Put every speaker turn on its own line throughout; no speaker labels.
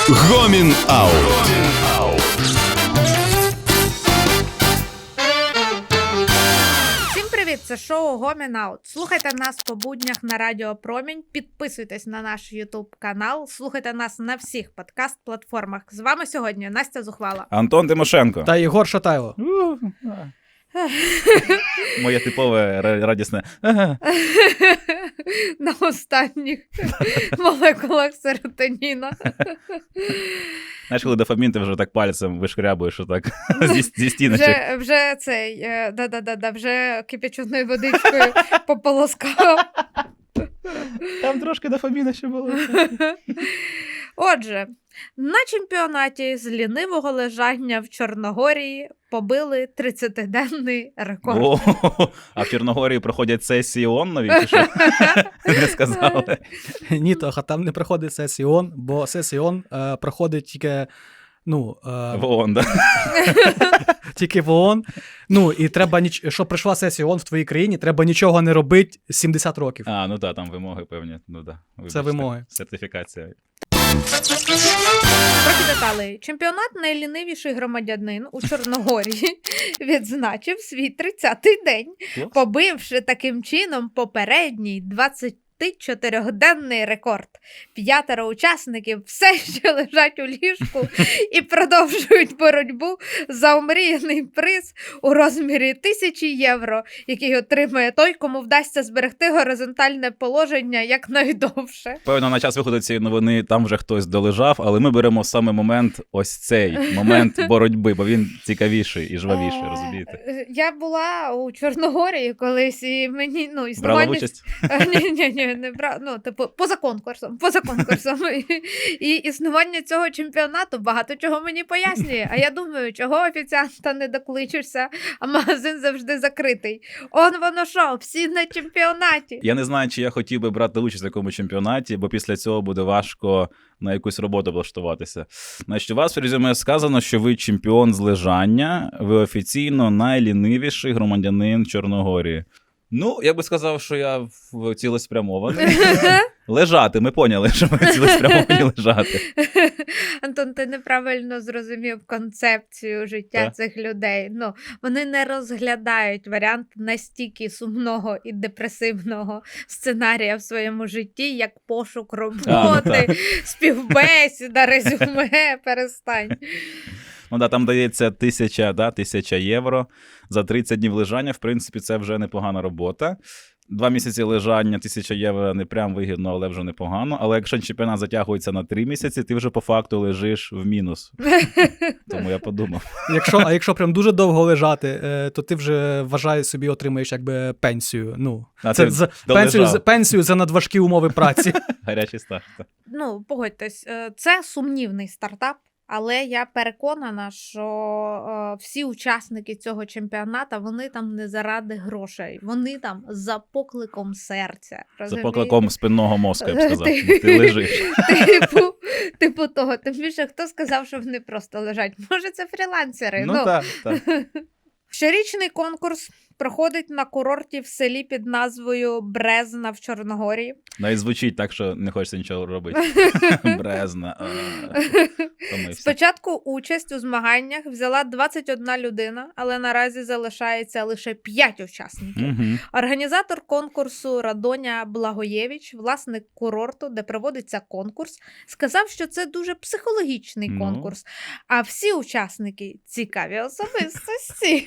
Гомін Аут.
Всім привіт, це шоу Гомін Аут. Слухайте нас по буднях на Радіо Промінь, підписуйтесь на наш Ютуб канал, слухайте нас на всіх подкаст-платформах. З вами сьогодні Настя Зухвала.
Антон Тимошенко.
Та Єгор Шатайло.
Моє типове радісне.
На останніх молекулах серотоніна.
Знаєш, коли дофамін, ти вже так пальцем вишкрябуєш отак зі стіночок.
Вже цей, вже кипяченою водичкою пополоскав.
Там трошки дофаміна ще було.
Отже, на чемпіонаті з лінивого лежання в Чорногорії побили 30-денний рекорд.
О, а в Чорногорії проходять сесії ООН нові, чи що? Не сказали.
Ні, Тоха, там не проходить сесії ООН, бо сесії ООН проходить тільки,
В ООН, так?
тільки в ООН. І треба, щоб прийшла сесія ООН в твоїй країні, треба нічого не робити 70 років.
Ну так, там вимоги певні.
Це вимоги.
Сертифікація.
Трохи деталей. Чемпіонат найлінивіший громадянин у Чорногорії відзначив свій 30-й день, побивши таким чином попередній 24-денний рекорд. 5 учасників все ще лежать у ліжку і продовжують боротьбу за омріяний приз у розмірі 1000 євро, який отримає той, кому вдасться зберегти горизонтальне положення якнайдовше.
Певно, на час виходу цієї новини там вже хтось долежав, але ми беремо саме момент, ось цей момент боротьби, бо він цікавіший і жвавіший, розумієте?
Я була у Чорногорії колись, і мені, існування...
Брала участь?
Ні, не брала, поза конкурсом. І існування цього чемпіонату багато чого мені пояснює. А я думаю, чого офіціанта не докличешся, а магазин завжди закритий. Воно що, всі на чемпіонаті.
Я не знаю, чи я хотів би брати участь в такому чемпіонаті, бо після цього буде важко на якусь роботу влаштуватися. Значить, у вас в резюме сказано, що ви чемпіон з лежання, ви офіційно найлінивіший громадянин Чорногорії. Я би сказав, що я цілеспрямований. Лежати, ми поняли, що ми цілеспрямовані лежати.
Антон, ти неправильно зрозумів концепцію життя цих людей. Вони не розглядають варіант настільки сумного і депресивного сценарія в своєму житті, як пошук роботи, співбесіда, резюме, перестань.
Там дається 1000 євро за 30 днів лежання. В принципі, це вже непогана робота. 2 місяці лежання, 1000 євро не прям вигідно, але вже непогано. Але якщо чемпіонат затягується на 3 місяці, ти вже по факту лежиш в мінус. Тому я подумав.
Якщо прям дуже довго лежати, то ти вже, вважаю, собі отримаєш якби пенсію. Це пенсію за надважкі умови праці.
Гарячий старт.
Погодьтесь, це сумнівний стартап. Але я переконана, що всі учасники цього чемпіоната, вони там не заради грошей. Вони там за покликом серця.
За покликом спинного мозку, я б сказав. Ти лежиш.
Типу того. Тим більше, хто сказав, що вони просто лежать? Може, це фрілансери?
Так.
Щорічний конкурс проходить на курорті в селі під назвою Брезна в Чорногорії.
Навіть звучить так, що не хочеться нічого робити. Брезна.
Спочатку участь у змаганнях взяла 21 людина, але наразі залишається лише 5 учасників. Організатор конкурсу Радоня Благоєвич, власник курорту, де проводиться конкурс, сказав, що це дуже психологічний конкурс, а всі учасники – цікаві особистості.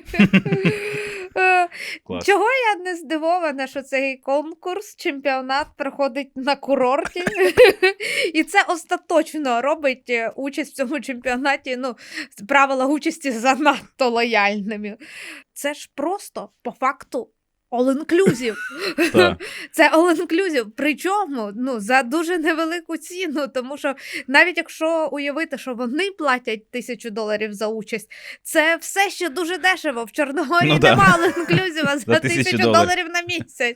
Клас.
Чого я не здивована, що цей конкурс, чемпіонат проходить на курорті, і це остаточно робить участь в цьому чемпіонаті, правила участі занадто лояльними. Це ж просто, по факту, all-inclusive. Це all-inclusive. Причому за дуже невелику ціну, тому що навіть якщо уявити, що вони платять $1000 за участь, це все ще дуже дешево. В Чорногорії нема all-inclusive за $1000 на місяць.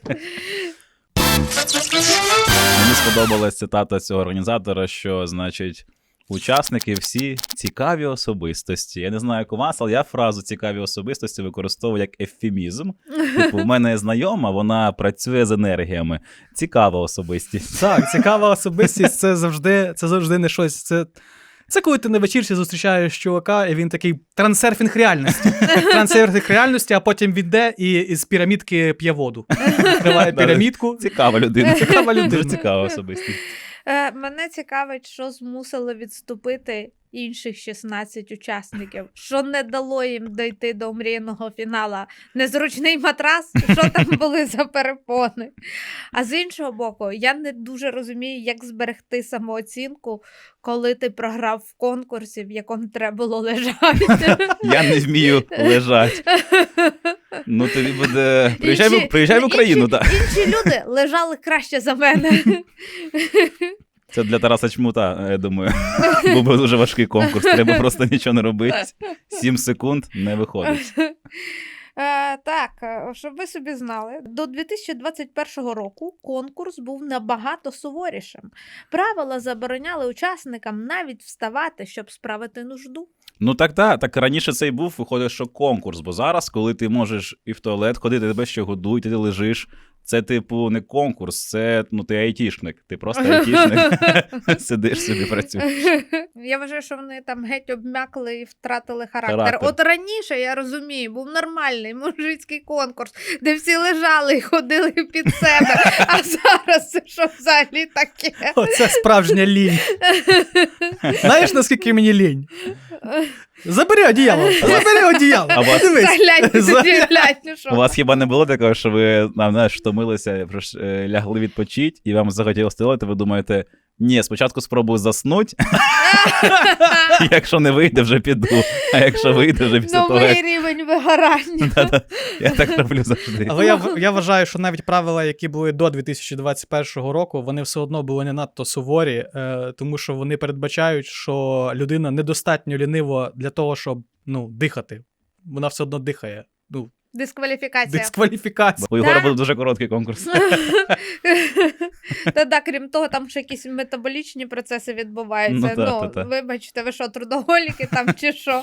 Мені сподобалась цитата цього організатора, що, значить, учасники всі цікаві особистості. Я не знаю, як у вас, але я фразу «цікаві особистості» використовую як ефемізм. Типу, в мене знайома, вона працює з енергіями. Цікава особистість.
Так, цікава особистість, це завжди не щось. Це коли ти на вечірці зустрічаєш чувака, і він такий трансерфінг реальності. Трансерфінг реальності, а потім він йде і з пірамідки п'є воду. Відкриває пірамідку.
Цікава людина.
Цікава людина.
Дуже цікава особистість.
Мене цікавить, що змусило відступити інших 16 учасників, що не дало їм дойти до мрійного фінала. Незручний матрас, що там були за перепони. А з іншого боку, я не дуже розумію, як зберегти самооцінку, коли ти програв в конкурсі, в якому треба було лежати.
Я не вмію лежати. Ну, тобі буде... Приїжджай в Україну, так.
Інші люди лежали краще за мене.
Це для Тараса Чмута, я думаю. Був би дуже важкий конкурс. Треба просто нічого не робити. 7 секунд не виходить.
Так, щоб ви собі знали, до 2021 року конкурс був набагато суворішим. Правила забороняли учасникам навіть вставати, щоб справити нужду.
Ну так раніше це і був, виходить, що конкурс, бо зараз, коли ти можеш і в туалет ходити, тебе ще годують, ти лежиш, це, типу, не конкурс, це, ти айтішник, ти просто айтішник, сидиш собі, працюєш.
Я вважаю, що вони там геть обмякли і втратили характер. От раніше, я розумію, був нормальний мужицький конкурс, де всі лежали і ходили під себе, а зараз це що взагалі таке?
Оце справжня лінь. Знаєш, наскільки мені лінь? Забери одіяло. Дивись.
У вас хіба не було такого, що ви, втомилися, лягли відпочити, і вам захотілося стелити, ви думаєте, ні, спочатку спробую заснути, якщо не вийде, вже піду, а якщо вийде, вже після того...
Новий рівень вигорання.
Я так роблю завжди.
Але я вважаю, що навіть правила, які були до 2021 року, вони все одно були не надто суворі, тому що вони передбачають, що людина недостатньо лінива для того, щоб, дихати. Вона все одно дихає.
Дискваліфікація.
У Єгора був дуже короткий конкурс.
Та, крім того, там ще якісь метаболічні процеси відбуваються. Вибачте, ви що, трудоголіки там чи що?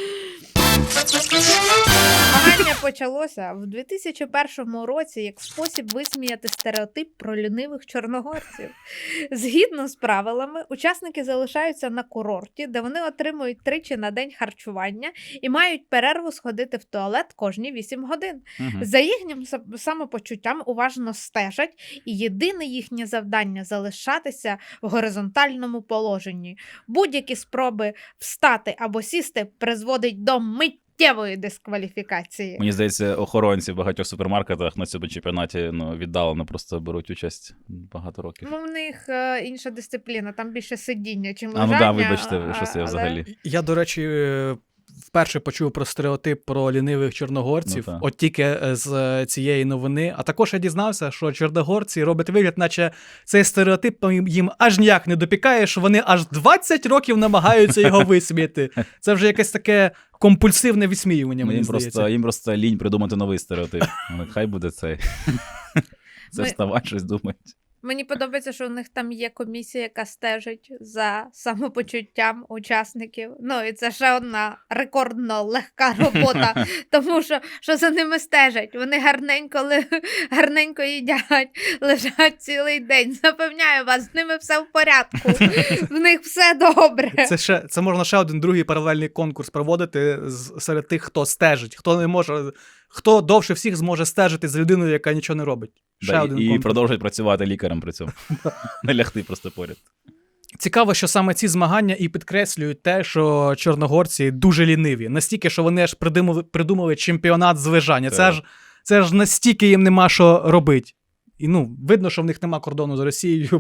Змагання почалося в 2001 році як спосіб висміяти стереотип про лінивих чорногорців. Згідно з правилами, учасники залишаються на курорті, де вони отримують 3 на день харчування і мають перерву сходити в туалет кожні 8 годин. За їхнім самопочуттям уважно стежать, і єдине їхнє завдання – залишатися в горизонтальному положенні. Будь-які спроби встати або сісти призводить до миттєвої дискваліфікації.
Мені здається, охоронці в багатьох супермаркетах на цьому чемпіонаті віддалено просто беруть участь багато років.
У них інша дисципліна, там більше сидіння, чим лежання.
Так, вибачте, що це взагалі.
Я, до речі, вперше почув про стереотип про лінивих чорногорців, от тільки з цієї новини. А також я дізнався, що чорногорці роблять вигляд, наче цей стереотип їм аж ніяк не допікає, що вони аж 20 років намагаються його висміяти. Це вже якесь таке компульсивне відсміювання, мені здається.
Їм просто лінь придумати новий стереотип. Хай буде цей. Це вставати, щось думають.
Мені подобається, що у них там є комісія, яка стежить за самопочуттям учасників. І це ще одна рекордно легка робота, тому що за ними стежать. Вони гарненько їдять, лежать цілий день. Запевняю вас, з ними все в порядку. В них все добре.
Це можна ще один другий паралельний конкурс проводити серед тих, хто стежить, хто не може... Хто довше всіх зможе стежити за людиною, яка нічого не робить.
І продовжують працювати лікарем при цьому. Не лягти просто поряд.
Цікаво, що саме ці змагання і підкреслюють те, що чорногорці дуже ліниві. Настільки, що вони аж придумали чемпіонат з лежання. Це ж настільки їм нема що робити. І, видно, що в них нема кордону з Росією.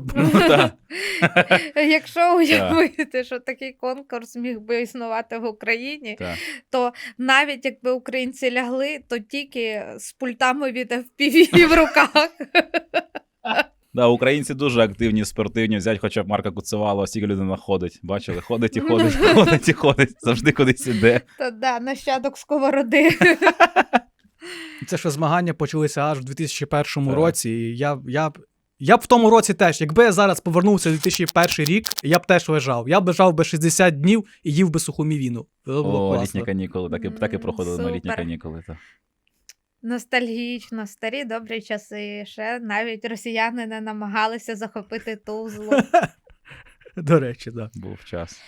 Якщо уявити, що такий конкурс міг би існувати в Україні, то навіть якби українці лягли, то тільки з пультами від FPV в руках.
Українці дуже активні, спортивні. Взять хоча б Марка Куцевалова, стільки людина ходить. Бачили? Ходить і ходить. Завжди кудись іде.
Нащадок Сковороди.
Це що змагання почалися аж в 2001 році, і Я б в тому році теж, якби я зараз повернувся в 2001 рік, я б теж лежав. Я б лежав би 60 днів і їв би суху мівіну. Це було класно.
Літні канікули, так і проходили на літні
Супер.
канікули. Так.
Ностальгічно, старі добрі часи. Ще навіть росіяни не намагалися захопити Тузлу.
До речі, так.
Був час.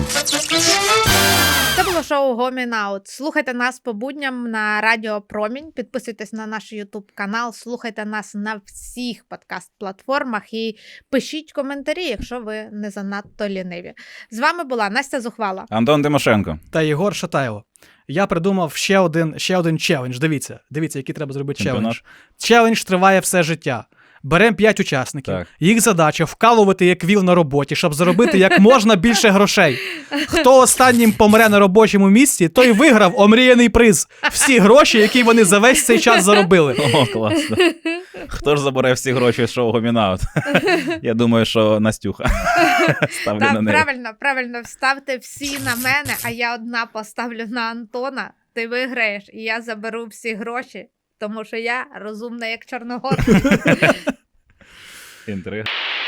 Це було шоу Гомін Аут. Слухайте нас по будням на Радіо Промінь, підписуйтесь на наш YouTube канал, слухайте нас на всіх подкаст-платформах і пишіть коментарі, якщо ви не занадто ліниві. З вами була Настя Зухвала.
Антон Тимошенко.
Та Єгор Шатайло. Я придумав ще один челендж. Дивіться, який треба зробити челендж. Челендж триває все життя. Беремо 5 учасників.
Так.
Їх задача вкалувати як віл на роботі, щоб заробити як можна більше грошей. Хто останнім помре на робочому місці, той виграв омріяний приз. Всі гроші, які вони за весь цей час заробили.
О, класно. Хто ж забере всі гроші з шоу Гомін Аут? Я думаю, що Настюха. Ставлю на
Так,
неї.
правильно, вставте всі на мене, а я одна поставлю на Антона. Ти виграєш, і я заберу всі гроші, тому що я розумна, як Чорногор.
Інтрига.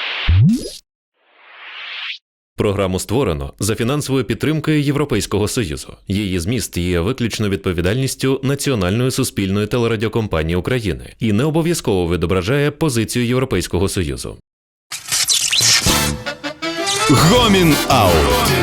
Програму створено за фінансовою підтримкою Європейського Союзу. Її зміст є виключно відповідальністю Національної суспільної телерадіокомпанії України і не обов'язково відображає позицію Європейського Союзу.
Гомін Аут.